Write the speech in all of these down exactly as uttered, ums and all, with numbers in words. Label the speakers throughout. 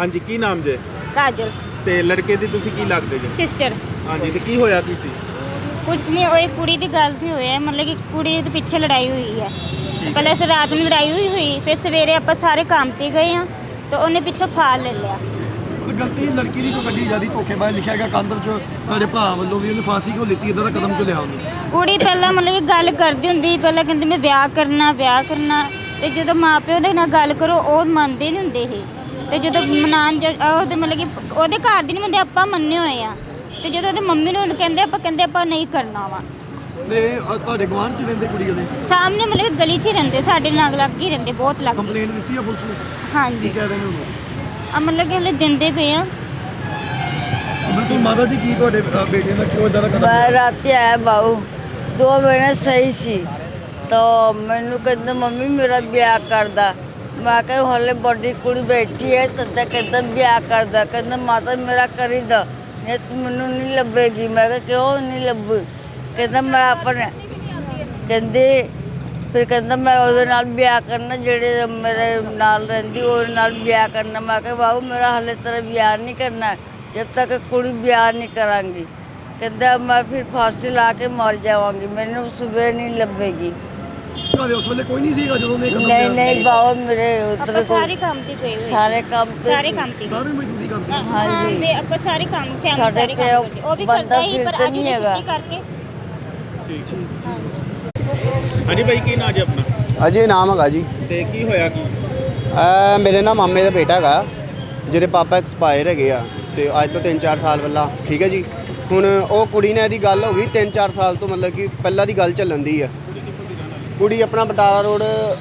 Speaker 1: हाँ जी, की नाम जे?
Speaker 2: काजल
Speaker 1: ते लड़के दी तुसी की लगदे जे?
Speaker 2: सिस्टर।
Speaker 1: हाँ जी, ते की होया की सी?
Speaker 2: कुछ नहीं होई, कुड़ी दी गल नहीं होई है, मतलब कि कुड़ी दे पीछे लड़ाई हुई है। पहले से रात में लड़ाई हुई हुई फिर सवेरे आप सारे काम ते गए हैं तो उन्हें पीछे फाल ले लिया।
Speaker 3: गलती लड़की की कोई बड़ी ज़्यादा धोखेबाज लिखा गया कांदर चो तुहाडे भरा वालों भी उन्हें फांसी क्यों लीती इदां दा कदम क्यों लिया उन्हें?
Speaker 2: कुड़ी पहला मतलब कि गल करदी हुंदी पहले कहंदी मैं ब्याह करना ब्याह करना ते जदों मां प्यो दे नाल गल करो ओह मनदे नहीं हुंदे हे ते जदों मनान ओहदे मतलब कि ओहदे घर दी नहीं मनदे आपां मन्ने होए आ ते जदों ओहदी मम्मी नूं कहंदे आपां कहंदे आपां नहीं करना वा
Speaker 3: ते तुहाडे गवांढ च रहिंदे कुड़ी ओहदे
Speaker 2: सामने मतलब कि गली च रहिंदे साडे नाल लग ही रहिंदे बहुत लग।
Speaker 3: कंप्लेंट दी है पुलिस ने?
Speaker 2: हाँ जी,
Speaker 3: की कह रहे हैं उन्होंने?
Speaker 2: आ मतलब कि हले दिंदे पे आ।
Speaker 3: बिल्कुल माता जी की तुहाडे बेटे दा क्यों इदां दा कदम?
Speaker 4: मैं रात आया बाबू दो महीने सही सी तो मैनू कहते मम्मी मेरा ब्याह कर दा मैं कहा हले बड़ी कुड़ी बैठी है तदा कहता ब्याह कर दा कहता माता मेरा करी दा नहीं तो मैनू नहीं लभेगी मैं कहा क्यों नहीं लभ कहता मैं अपने कहते फिर कहता मैं ਉਹਦੇ ਨਾਲ ब्याह करना ਜਿਹੜੇ मेरे नाल रहंदी ਉਹਦੇ ਨਾਲ ब्याह करना मैं कहा बाबू मेरा हले तेरा ब्याह नहीं करना जब तक कुड़ी ब्याह नहीं करांगी कहता मैं फिर फांसी ला के मर जावांगी मैंने सुबह नहीं लभेगी।
Speaker 3: ਘਰੇ ਉਸ ਵੇਲੇ ਕੋਈ ਨਹੀਂ ਸੀਗਾ ਜਦੋਂ ਨੇ ਕਦਮ
Speaker 4: नहीं नहीं बाबू मेरे उधर
Speaker 2: ਆਪਾਂ
Speaker 4: को
Speaker 2: ਸਾਰੇ ਕੰਮ ਤੇ ਗਏ ਹੋਏ
Speaker 4: सारे काम पे
Speaker 2: ਸਾਰੇ ਕੰਮ ਤੇ
Speaker 3: ਸਾਰੇ ਮਜ਼ਦੂਰੀ ਕਰਦੇ
Speaker 4: हाँ जी
Speaker 2: ਤੇ ਆਪਾਂ ਸਾਰੇ ਕੰਮ ਫੈਮਿਲੀ
Speaker 4: ਸਾਡੇ
Speaker 2: ਸਾਰੇ
Speaker 4: ਪਿਓ
Speaker 2: ਕੰਮ ਕਰਦੇ ਉਹ ਵੀ
Speaker 4: ਬੰਦਾ
Speaker 2: ਕਰਦਾ ਹੀ
Speaker 4: ਸਿਰ
Speaker 2: ਪਰ
Speaker 4: ਤੇ
Speaker 2: ਅੱਜ
Speaker 4: ਨਹੀਂ
Speaker 2: ਉਹਨੇ
Speaker 4: ਹੈਗਾ।
Speaker 2: ਛੁੱਟੀ ਕਰਕੇ
Speaker 1: ठीक ठीक। हाँ जी भाई, की नाम जे अपना?
Speaker 5: ਅਜੇ ਨਾਮ ਹੈਗਾ ਜੀ।
Speaker 1: ते की होया की?
Speaker 5: ਇਹ ਮੇਰੇ ਨਾ ਮਾਮੇ ਦਾ ਬੇਟਾ ਹੈਗਾ ਜਿਹਦੇ ਪਾਪਾ ਐਕਸਪਾਇਰ ਹੈਗੇ ਆ ਤੇ ਅੱਜ ਤੋਂ ਤਿੰਨ ਚਾਰ ਸਾਲ ਪਹਿਲਾਂ ਠੀਕ ਹੈ ਜੀ। ਹੁਣ ਉਹ ਕੁੜੀ ਨਾਲ ਇਹਦੀ ਗੱਲ ਹੋ ਗਈ ਤਿੰਨ ਚਾਰ ਸਾਲ ਤੋਂ ਮਤਲਬ ਕਿ ਪਹਿਲਾਂ ਦੀ ਗੱਲ ਚੱਲਣ ਦੀ ਆ। ਕੁੜੀ ਆਪਣਾ ਬਟਾਲਾ ਰੋਡ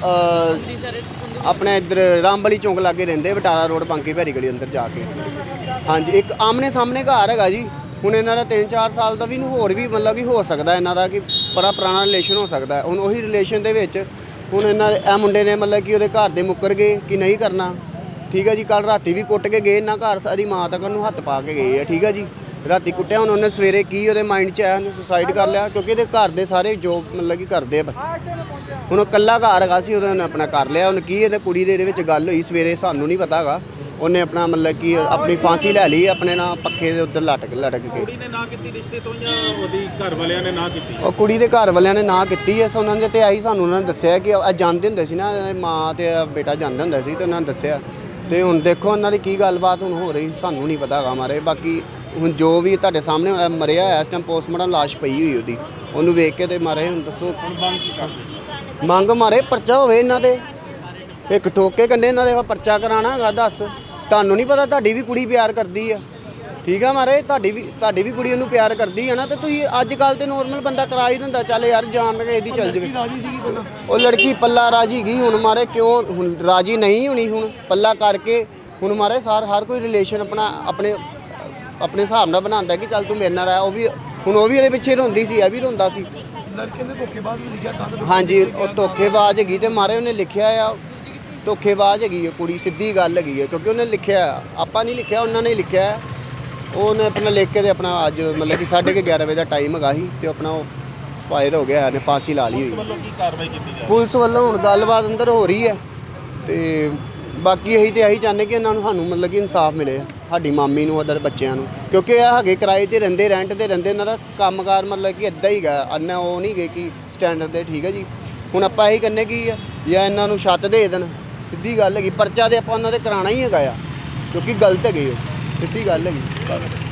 Speaker 5: ਆਪਣੇ ਇੱਧਰ ਰਾਮਬਲੀ ਚੌਂਕ ਲਾਗੇ ਰਹਿੰਦੇ ਬਟਾਲਾ ਰੋਡ ਬਾਂਕੀ ਭੈਰੀ ਗਲੀ ਅੰਦਰ ਜਾ ਕੇ। ਹਾਂਜੀ, ਇੱਕ ਆਮਨੇ ਸਾਹਮਣੇ ਘਰ ਹੈਗਾ ਜੀ। ਹੁਣ ਇਹਨਾਂ ਦਾ ਤਿੰਨ ਚਾਰ ਸਾਲ ਦਾ ਵੀ ਨੂੰ ਹੋਰ ਵੀ ਮਤਲਬ ਕਿ ਹੋ ਸਕਦਾ ਇਹਨਾਂ ਦਾ ਕਿ ਬੜਾ ਪੁਰਾਣਾ ਰਿਲੇਸ਼ਨ ਹੋ ਸਕਦਾ। ਹੁਣ ਉਹੀ ਰਿਲੇਸ਼ਨ ਦੇ ਵਿੱਚ ਹੁਣ ਇਹਨਾਂ ਇਹ ਮੁੰਡੇ ਨੇ ਮਤਲਬ ਕਿ ਉਹਦੇ ਘਰ ਦੇ ਮੁੱਕਰ ਗਏ ਕਿ ਨਹੀਂ ਕਰਨਾ ਠੀਕ ਹੈ ਜੀ। ਕੱਲ ਰਾਤੀ ਵੀ ਕੁੱਟ ਕੇ ਗਏ ਇਹਨਾਂ ਘਰ ਸਾਰੀ ਮਾਂ ਤੱਕ ਉਹਨੂੰ ਹੱਥ ਪਾ ਕੇ ਗਏ ਆ ਠੀਕ ਹੈ ਜੀ। ਰਾਤੀ ਕੁੱਟਿਆ ਹੁਣ ਉਹਨੇ ਸਵੇਰੇ ਕੀ ਉਹਦੇ ਮਾਈਂਡ 'ਚ ਆਇਆ ਉਹਨੇ ਸੁਸਾਈਡ ਕਰ ਲਿਆ ਕਿਉਂਕਿ ਇਹਦੇ ਘਰ ਦੇ ਸਾਰੇ ਜੋਬ ਮਤਲਬ ਕਿ ਕਰਦੇ ਆ। ਹੁਣ ਉਹ ਇਕੱਲਾ ਘਰ ਹੈਗਾ ਸੀ ਉਹਨੇ ਆਪਣਾ ਕਰ ਲਿਆ। ਉਹਨੇ ਕੀ ਇਹਦੇ ਕੁੜੀ ਦੇ ਇਹਦੇ ਵਿੱਚ ਗੱਲ ਹੋਈ ਸਵੇਰੇ ਸਾਨੂੰ ਨਹੀਂ ਪਤਾ ਹੈਗਾ। ਉਹਨੇ ਆਪਣਾ ਮਤਲਬ ਕਿ ਆਪਣੀ ਫਾਂਸੀ ਲੈ ਲਈ ਆਪਣੇ ਨਾਲ ਪੱਖੇ ਦੇ ਉੱਤੇ ਲਟਕ ਲਟਕ ਕੇ।
Speaker 1: ਕੁੜੀ ਨੇ ਨਾ ਕੀਤੀ ਰਿਸ਼ਤੇ ਤੋਂ ਜਾਂ ਉਹਦੀ ਘਰ ਵਾਲਿਆਂ ਨੇ ਨਾ ਕੀਤੀ?
Speaker 5: ਉਹ ਕੁੜੀ ਦੇ ਘਰ ਵਾਲਿਆਂ ਨੇ ਨਾ ਕੀਤੀ ਐ। ਉਹਨਾਂ ਦੇ ਤੇ ਆਈ ਸਾਨੂੰ ਉਹਨਾਂ ਨੇ ਦੱਸਿਆ ਕਿ ਆ ਜਾਂਦੇ ਹੁੰਦੇ ਸੀ ਨਾ ਮਾਂ ਤੇ ਬੇਟਾ ਜਾਂਦੇ ਹੁੰਦੇ ਸੀ ਤੇ ਉਹਨਾਂ ਨੇ ਦੱਸਿਆ। ਤੇ ਹੁਣ ਦੇਖੋ ਉਹਨਾਂ ਦੀ ਕੀ ਗੱਲਬਾਤ ਹੁਣ ਹੋ ਰਹੀ ਸਾਨੂੰ ਨਹੀਂ ਪਤਾ ਹੈਗਾ ਮਾਰੇ। ਬਾਕੀ ਹੁਣ ਜੋ ਵੀ ਤੁਹਾਡੇ ਸਾਹਮਣੇ ਮਰਿਆ ਹੋਇਆ ਇਸ ਟਾਈਮ ਪੋਸਟਮਾਰਟਮ ਲਾਸ਼ ਪਈ ਹੋਈ ਉਹਦੀ ਉਹਨੂੰ ਵੇਖ ਕੇ ਤੇ ਮਾਰੇ। ਹੁਣ ਦੱਸੋ ਮੰਗ ਮਾਰੇ ਪਰਚਾ ਹੋਵੇ ਇਹਨਾਂ ਦੇ ਇੱਕ ਠੋਕੇ ਕੰਨੇ ਇਹਨਾਂ ਦੇ ਪਰਚਾ ਕਰਾਉਣਾ ਹੈਗਾ। ਦੱਸ ਤੁਹਾਨੂੰ ਨਹੀਂ ਪਤਾ ਤੁਹਾਡੀ ਵੀ ਕੁੜੀ ਪਿਆਰ ਕਰਦੀ ਆ ਠੀਕ ਆ ਮਾਰੇ। ਤੁਹਾਡੀ ਵੀ ਤੁਹਾਡੀ ਵੀ ਕੁੜੀ ਉਹਨੂੰ ਪਿਆਰ ਕਰਦੀ ਆ ਨਾ ਤੇ ਤੁਸੀਂ ਅੱਜ ਕੱਲ੍ਹ ਤੇ ਨੋਰਮਲ ਬੰਦਾ ਕਰਾ ਹੀ ਦਿੰਦਾ ਚੱਲ ਯਾਰ ਜਾਣ ਕੇ ਇਹਦੀ ਚੱਲ ਜਾਵੇ।
Speaker 3: ਰਾਜੀ ਸੀਗੀ ਪਹਿਲਾਂ
Speaker 5: ਉਹ ਲੜਕੀ ਪੱਲਾ ਰਾਜੀ ਗਈ ਹੁਣ ਮਾਰੇ ਕਿਉਂ ਹੁਣ ਰਾਜੀ ਨਹੀਂ ਹੋਣੀ ਹੁਣ ਪੱਲਾ ਕਰਕੇ ਹੁਣ ਮਾਰੇ ਸਾਰ ਹਰ ਕੋਈ ਰਿਲੇਸ਼ਨ ਆਪਣਾ ਆਪਣੇ ਆਪਣੇ ਹਿਸਾਬ ਨਾਲ ਬਣਾਉਂਦਾ ਕਿ ਚੱਲ ਤੂੰ ਮੇਰੇ ਨਾਲ ਆ। ਉਹ ਵੀ ਹੁਣ ਉਹ ਵੀ ਇਹਦੇ ਪਿੱਛੇ ਰੋਂਦੀ ਸੀ ਇਹ ਵੀ ਰੋਂਦਾ ਸੀ।
Speaker 3: ਲੜਕੇ ਨੇ ਧੋਖੇਬਾਜ਼ ਵੀ ਲਿਖਿਆ ਕਾਂਦਰ
Speaker 5: ਹਾਂਜੀ, ਉਹ ਧੋਖੇਬਾਜ਼ ਹੈਗੀ ਤੇ ਮਾਰੇ ਉਹਨੇ ਲਿਖਿਆ ਆ ਧੋਖੇਬਾਜ਼ ਹੈਗੀ ਹੈ ਕੁੜੀ ਸਿੱਧੀ ਗੱਲ ਹੈਗੀ ਹੈ ਕਿਉਂਕਿ ਉਹਨੇ ਲਿਖਿਆ ਆਪਾਂ ਨਹੀਂ ਲਿਖਿਆ ਉਹਨਾਂ ਨੇ ਲਿਖਿਆ। ਉਹਨੇ ਆਪਣਾ ਲਿਖ ਕੇ ਤੇ ਆਪਣਾ ਅੱਜ ਮਤਲਬ ਕਿ ਸਾਢੇ ਕੁ ਗਿਆਰਾਂ ਵਜੇ ਦਾ ਟਾਈਮ ਹੈਗਾ ਸੀ ਤੇ ਆਪਣਾ ਉਹ ਫਾਇਰ ਹੋ ਗਿਆ ਇਹਨੇ ਫਾਂਸੀ ਲਾ ਲਈ ਹੋਈ।
Speaker 1: ਵੱਲੋਂ ਕੀ ਕਾਰਵਾਈ ਕੀਤੀ ਜਾ ਰਹੀ?
Speaker 5: ਪੁਲਿਸ ਵੱਲੋਂ ਹੁਣ ਗੱਲਬਾਤ ਅੰਦਰ ਹੋ ਰਹੀ ਹੈ ਤੇ ਬਾਕੀ ਇਹੀ ਤੇ ਇਹੀ ਚਾਹੁੰਦੇ ਕਿ ਇਹਨਾਂ ਨੂੰ ਸਾਨੂੰ ਮਤਲਬ ਕਿ ਇਨਸਾਫ ਮਿਲੇ ਸਾਡੀ ਮਾਮੀ ਨੂੰ ਅਦਰ ਬੱਚਿਆਂ ਨੂੰ ਕਿਉਂਕਿ ਇਹ ਹੈਗੇ ਕਿਰਾਏ 'ਤੇ ਰਹਿੰਦੇ ਰੈਂਟ 'ਤੇ ਰਹਿੰਦੇ ਇਹਨਾਂ ਦਾ ਕੰਮਕਾਰ ਮਤਲਬ ਕਿ ਇੱਦਾਂ ਹੀ ਗਾ ਅੰਨਾ ਉਹ ਨਹੀਂ ਗਏ ਕਿ ਸਟੈਂਡਰਡ 'ਤੇ ਠੀਕ ਹੈ ਜੀ। ਹੁਣ ਆਪਾਂ ਇਹੀ ਕਹਿੰਦੇ ਕੀ ਆ ਜਾਂ ਇਹਨਾਂ ਨੂੰ ਛੱਤ ਦੇ ਦੇਣ ਸਿੱਧੀ ਗੱਲ ਹੈਗੀ। ਪਰਚਾ ਦੇ ਆਪਾਂ ਉਹਨਾਂ ਦੇ ਕਰਾਉਣਾ ਹੀ ਹੈਗਾ ਆ ਕਿਉਂਕਿ ਗਲਤ ਹੈਗੇ ਉਹ ਸਿੱਧੀ ਗੱਲ ਹੈਗੀ ਬਸ।